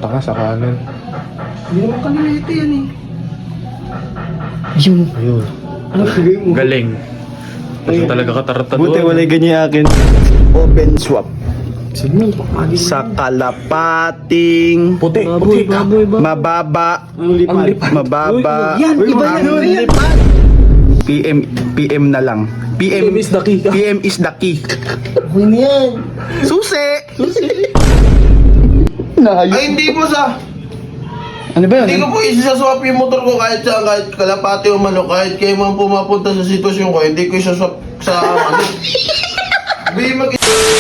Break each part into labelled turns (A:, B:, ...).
A: Taka sa kanan.
B: Hindi naman kanila ito yan eh.
C: Yun.
A: Ayun.
B: Ano bigay mo?
A: Galing. Kasi talaga katarata
C: Buti
A: doon.
C: wala ganyan akin. Open swap.
B: Sige, pakagi
C: Sa kalapating
A: Puti,
B: Baboy,
A: puti.
B: baboy, baboy.
C: mababa.
B: Ang lipad.
C: Mababa.
B: Yan, iba yan.
C: Ang
B: Yan.
C: lipad. PM na lang.
A: PM is the key.
C: PM is the key.
B: Okay na yan.
C: Susi!
D: Ay, hindi po sa.
C: Ano ba
D: Hindi
C: yun?
D: ko po isaswap yung motor ko kahit saan, kahit kalapati o manok, kahit kayo man pumapunta sa sitwasyon ko, hindi ko isaswap sa ano. Hindi mag-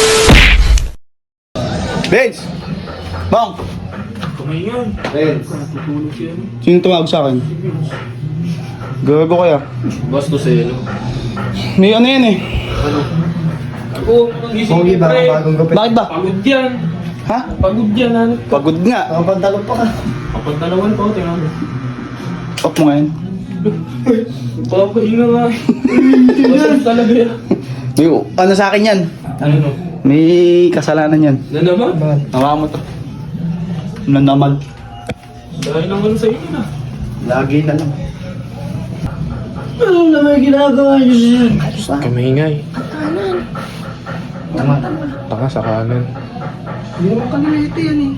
C: Benz! Bang!
A: Tumayon.
C: Sino tumawag sa akin? Gago kaya.
A: Bastos eh, no?
C: May ano yan eh.
B: Ako, ang gising
D: Pogi ba?
B: pre.
D: Bagong gupit.
C: Bakit ba?
B: Pagod yan.
C: Ha?
B: Pagod yan, ano?
C: Pagod nga.
D: Nakapantalon pa ka.
B: Kapag dalawan pa ako, tingnan mo.
C: Off mo ngayon.
B: Papahinga nga. Bastos talaga yan.
C: May, ano sa akin yan?
B: Ano no?
C: May kasalanan yan.
B: Na naman?
C: Hawa mo to. Nanamal.
B: Dahil naman sa inyo na.
C: Lagi na lang.
B: Ano na may ginagawa nyo yan?
A: Kamingay. Taka sa kanan.
B: Hindi naman kanila ito yan eh.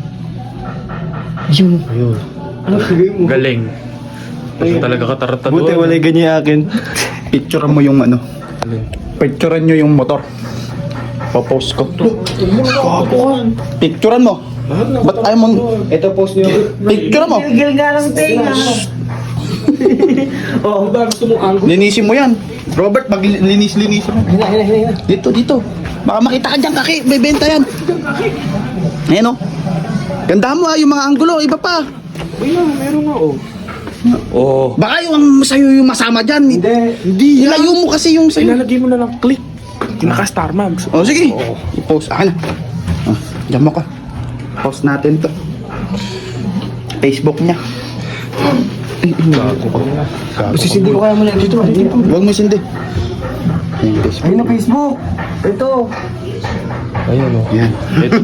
C: Yun.
A: Ayun.
B: Ano bigay mo?
A: Galing. Kasi talaga katarata
C: Buti
A: doon.
C: wala ganyan akin. Picturean mo yung ano.
A: Alin?
C: Picturean nyo yung motor. Papost ko. Picturean mo. Ba't ayaw mo?
B: Ito post nyo.
C: Picturean mo.
B: Gilgil nga ng tenga. Oo, ba gusto mong angle?
C: Linisin mo yan. Robert, maglinis-linis mo.
B: Hina.
C: Dito, dito. Baka makita ka dyan, kaki. May benta yan. Ayan o. Gandahan mo ha, yung mga anggulo. Iba pa.
B: Meron nga oh.
A: Oo.
C: Baka yung sa'yo yung masama dyan. Hindi. Ilayo mo kasi yung sa'yo.
A: Ilalagay mo na lang click. Naka-star mags.
C: O sige. I-post. Akin na. Oh, dyan mo ka. Post natin to. Facebook niya.
A: Gago ka na.
B: Sisindi ko kaya muna dito.
C: Huwag mo sindi. Ayan, Facebook.
B: Ayun na Facebook. Ito.
A: Ayun o.
C: Yan.
A: Ito.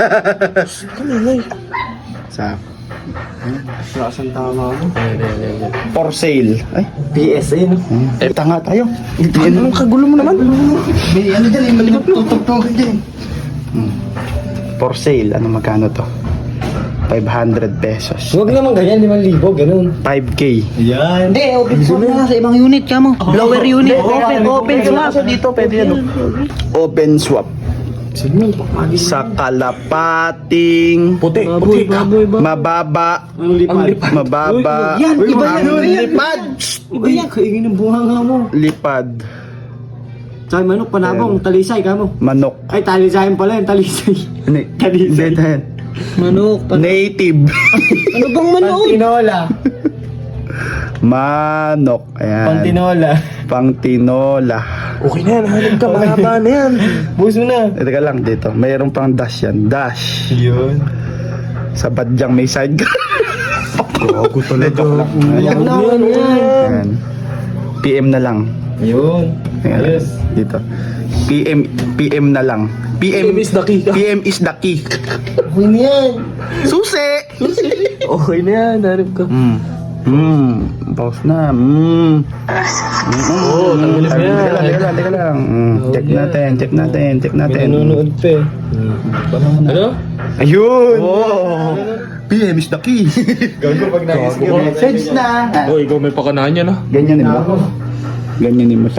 C: Sa
B: Lasan tama mo.
A: Ayan.
C: for sale. Ay,
B: PSA no?
C: tanga tayo.
A: Anong kagulo mo naman?
C: May ano dyan eh, malimot tutugtog dyan. For sale, ano magkano to? 500 pesos.
B: Huwag naman ganyan, 5,000, ganun.
C: 5K.
B: Yan.
E: Hindi, open source na sa ibang unit ka mo. Blower unit. Open source.
C: Dito, pwede yan. Open swap.
B: Sige, pakagi.
C: Sa kalapating
A: Puti,
B: Baboy,
A: puti.
B: baboy, baboy.
C: mababa.
B: Ang lipad.
C: Mababa.
E: Yan, iba yan.
C: Ang lipad.
B: Iba yan. Kaingin ng bunga nga mo.
C: Lipad.
B: Sa manok, panabong, talisay ka mo.
C: Manok.
B: Ay, talisayan pala yung talisay.
C: Hindi, yan.
E: Manok.
C: Native.
E: Ano bang manok?
B: Pantinola.
C: Manok. Ayan.
B: Pantinola.
C: Pangtinola.
A: Okay na yan. Halip ka. Mahaba na yan.
B: Buso na.
C: Teka lang dito. Mayroon pang dash yan. Dash.
B: Yun.
C: Sa badyang may side gun.
A: Gago talaga.
B: Iyak na ako yan.
C: Ayan. PM na lang.
B: Yun.
C: Ayan.
B: Ayos.
C: Dito. PM na lang.
A: PM is the key.
C: PM is the key.
B: Okay na yan.
C: Susi!
A: Okay na yan. Halip ka.
C: Pause na.
A: Oo, tanggalin mo yan.
C: Teka lang. Check natin.
B: Nanonood pa eh. Ano?
C: Ayun! PM is the key.
B: Gago pag
A: Gago ka.
C: Message na.
A: Oh, ikaw may pakanahan yan ah.
C: Ganyanin mo. Ganyanin mo siya.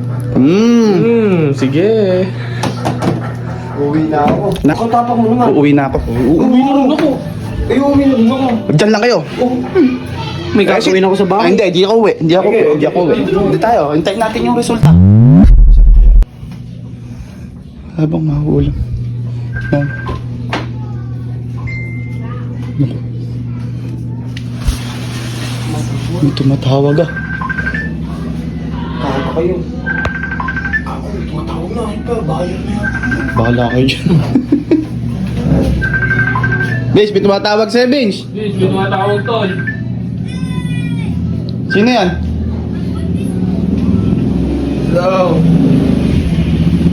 A: Sige.
B: Uwi na ako.
C: Nako,
B: Tapak mo naman.
C: uuwi na ako.
B: Uwi na rin ako. Ay, uwi na rin ako.
C: Diyan lang kayo.
E: May gagawin ako sa bahay.
C: Hindi ako uwi. Hindi ako uwi. Hindi tayo. Hintayin natin yung resulta. Habang mahuulam. Yan. May tumatawag ah.
B: Kaka kayo.
C: Bahala kayo dyan. Benz, may tumatawag sa'yo, Benz.
B: Please, may tumatawag tol.
C: Sino yan?
D: Hello.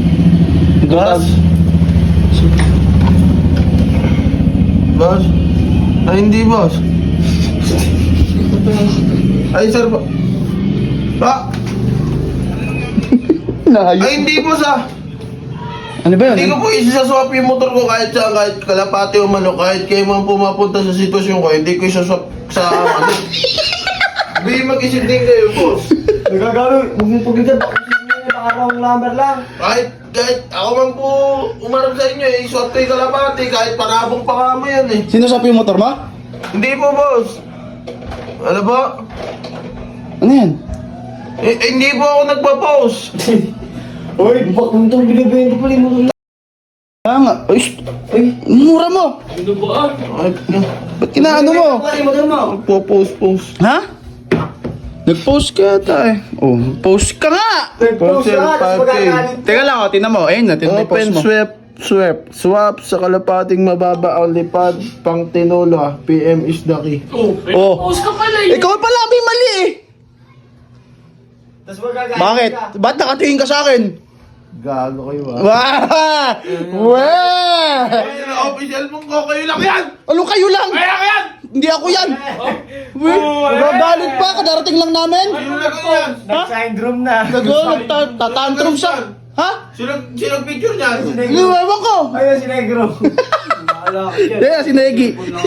C: Boss?
D: Boss? Ay, hindi, boss. Ay, sir,
C: Naayos.
D: Ay, hindi, boss,
C: Ano ba
D: Hindi
C: yun?
D: ko po isaswap yung motor ko kahit saan, kahit kalapati o manok, kahit kayo man pumapunta sa sitwasyon ko, hindi ko isaswap sa manok. Hindi, mag-isip din kayo, boss.
B: Nagagano, huwag mong paglitan. Baka wrong number lang.
D: Kahit ako man po umarap sa inyo, iswap ko yung kalapati, kahit panabong pa kamo yan eh.
C: Sino sa yung motor mo?
D: Hindi po, boss. Ano ba?
C: Ano yan?
D: Hindi po ako nagpa-post.
B: Uy, bak mo itong binibenta pala yung motor.
C: Ah nga. Ay, mura mo.
A: Ano ba?
D: Ay,
C: Ba't kinaano mo?
B: Ano yung motor mo?
D: post.
C: Ha? Nag-post ka ata eh. Oh, post ka nga!
B: Nag-post ka, tapos magagalit.
C: Teka lang, tinan mo. Ayun na, tinan mo yung post
D: Open
C: mo.
D: swap sa kalapating mababa o lipad pang tinola. PM is the key.
C: Oh.
A: Post ka pala eh.
C: Ikaw pala, may mali eh.
B: Tapos magagalit
C: Bakit?
B: ka.
C: Ba't nakatingin ka sa akin?
D: Gago kayo
C: Wah! Wah!
D: Ay, official mong ko, kayo lang yan!
C: Ano kayo lang?
D: Kaya yan!
C: Hindi ako yan! Weh, nagagalit pa, kadarating lang namin.
D: Sino lang yan?
B: Nag-syndrome na.
C: Nagtatantrum sa... Ha?
D: Sino picture niyan?
C: Ewan ko!
B: Ayun si Negro. Wala ka dyan.
C: Kaya si Negi.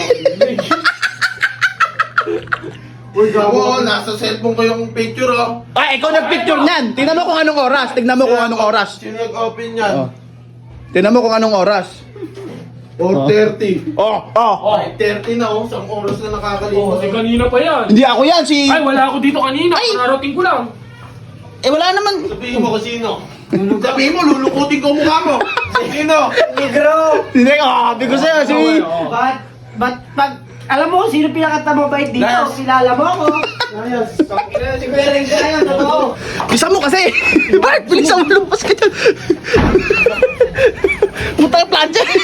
B: Uy, gago.
D: Ako, nasa cellphone ko yung picture, oh.
C: Ay, ikaw nagpicture niyan. Tingnan mo kung anong oras. Tingnan mo kung anong oras.
D: Sino nag-open yan?
C: Oh. Tingnan mo kung anong oras.
D: 4:30.
C: Oh, oh.
D: Ay, 30 na, oh. Isang oras na nakakalimutan.
A: Kasi kanina pa yan.
C: Hindi ako yan, si...
A: Ay, wala ako dito kanina.
C: Ay!
A: Kararating ko lang.
C: Eh, wala naman.
D: Sabihin mo kung sino. Sabihin mo, lulukutin ko mukha mo. Sino?
B: Negro.
C: Hindi, sabi ko sa'yo, si...
B: Ba't, alam mo kung sino pinakatamabait dito?
D: Nice.
B: Kilala mo ako. Ayos. Si Kuya Ring ka ngayon, totoo.
C: Bisa mo kasi. Bart, bilisan mo, lumpas ka dyan. Puta yung plancha.